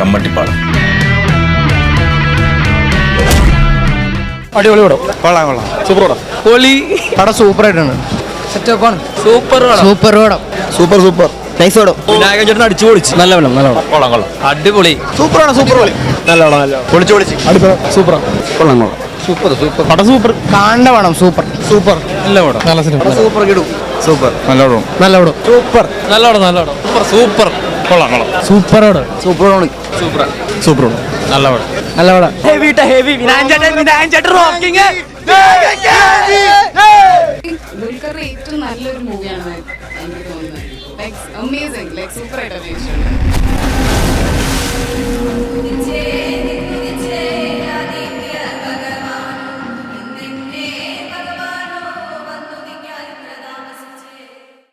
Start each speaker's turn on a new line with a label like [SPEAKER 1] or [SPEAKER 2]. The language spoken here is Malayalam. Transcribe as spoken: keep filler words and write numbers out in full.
[SPEAKER 1] കമ്മട്ടിപ്പാടം.
[SPEAKER 2] അടിപൊളി പടം.
[SPEAKER 3] കൊള്ളാം കൊള്ളാം.
[SPEAKER 2] സൂപ്പർ പടം. പൊളി പടം. സൂപ്പർ ആയിട്ടാണ്.
[SPEAKER 4] സെറ്റപ്പാണ്.
[SPEAKER 2] സൂപ്പർ പടം.
[SPEAKER 4] സൂപ്പർ പടം.
[SPEAKER 3] സൂപ്പർ സൂപ്പർ നൈസ് പടം.
[SPEAKER 2] വിനായകൻ ചേട്ടൻ അടിച്ചു പൊളിച്ചു. നല്ല പടം നല്ല പടം. കൊള്ളാം കൊള്ളാം. അടിപൊളി.
[SPEAKER 3] സൂപ്പറാണ് സൂപ്പർ പൊളി.
[SPEAKER 2] നല്ല പടം നല്ല പടം.
[SPEAKER 3] പൊളിച്ചു പൊളിച്ച്
[SPEAKER 2] അടിപൊളി. സൂപ്പർ
[SPEAKER 3] കൊള്ളാം കൊള്ളാം.
[SPEAKER 2] സൂപ്പർ സൂപ്പർ പടം. സൂപ്പർ കാണേണ്ട പടം. സൂപ്പർ സൂപ്പർ നല്ല പടം. നല്ല സിനിമ.
[SPEAKER 3] സൂപ്പർ കിടും. സൂപ്പർ നല്ല പടം.
[SPEAKER 2] നല്ല പടം. സൂപ്പർ നല്ല പടം നല്ല പടം. സൂപ്പർ സൂപ്പർ കൊള്ളാം കൊള്ളാം. സൂപ്പർ പടം.
[SPEAKER 3] സൂപ്പർ
[SPEAKER 2] സൂപ്പർ
[SPEAKER 3] സൂപ്പർ
[SPEAKER 2] നല്ല പടം നല്ല പടം. ഹെവി ഹെവി വിനായകൻ ചേട്ടൻ വിനായകൻ ചേട്ടൻ റോക്കിംഗ്.
[SPEAKER 5] ദുൽഖറിന്റെ ഏറ്റവും നല്ലൊരു മൂവിയാണ് എനിക്ക് തോന്നുന്നത്. ലൈക്ക് അമേസിംഗ്, ലൈക്ക് സൂപ്പർ ആയിട്ട് അഭിനയിച്ചിട്ടുണ്ട്.